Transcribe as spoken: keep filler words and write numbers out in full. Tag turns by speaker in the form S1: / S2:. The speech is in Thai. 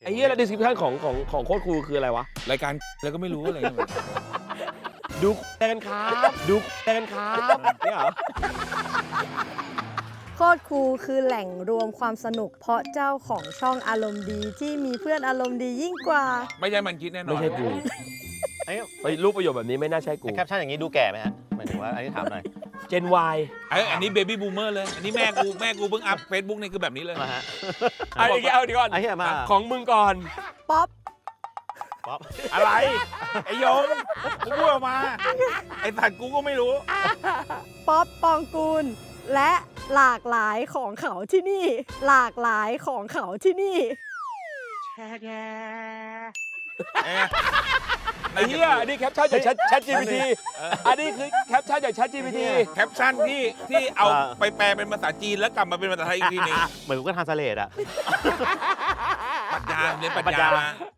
S1: อ้เหี้ยแล้ว description ของของของโคตรครูคืออะไรวะ
S2: รายการแล้วก็ไม่รู้อะไรเงี้ย
S1: ดูแกันครับดูแกันครับเนี่ยเหรอ
S3: โคตรครูคือแหล่งรวมความสนุก เพราะเจ้าของช่องอารมณ์ดีที่มีเพื่อนอารมณ์ดียิ่งกว่า
S2: ไม่ใช่มันคิดแน่นอน
S1: ไม่ใช่กู
S4: ไอ้
S1: ไปรูปประโยคแบบนี้ไม่น่าใช่กู
S4: แคปชั่นอย่างนี้ดูแก่ไหมฮะหมายถึงว่าอันนี้ถามหน่อย
S1: Gen Y
S2: ไอ้อันนี้เบบี้บูมเมอร์เลย อันนี้แม่กูแม่กูเพิ่งอัพเฟซบุ๊กนี่คือแบบนี้เลย
S4: มาฮะ
S1: เอาอีกเอาดีก่อน
S4: ไอ้เหี้ยมา
S1: ของมึงก่อน
S3: ป๊อป
S4: ป๊อป
S2: อะไร ไอ้ยงกูพูดออกมา ไอ้สัตว์กูก็ไม่รู้
S3: ป๊อปปองกูล และหลากหลายของเขาที่นี่ หลากหลายของเขาที่นี่
S1: ไอ้เหี้ยอันนี้แคปชั่นจาก Chatจี พี ที อันนี้คือแคปชั่นจาก Chat จี พี ที
S2: แคปชั่นที่ที่เอาไปแปลเป็นภาษาจีนแล้วกลับมาเป็นภาษาไทยอีกทีหนึง
S4: เหมือนกูก็ทานสเลดอะ
S2: ปรัชญาเรียนปรัช
S4: ปรัช
S2: ญา
S4: ญา
S2: มา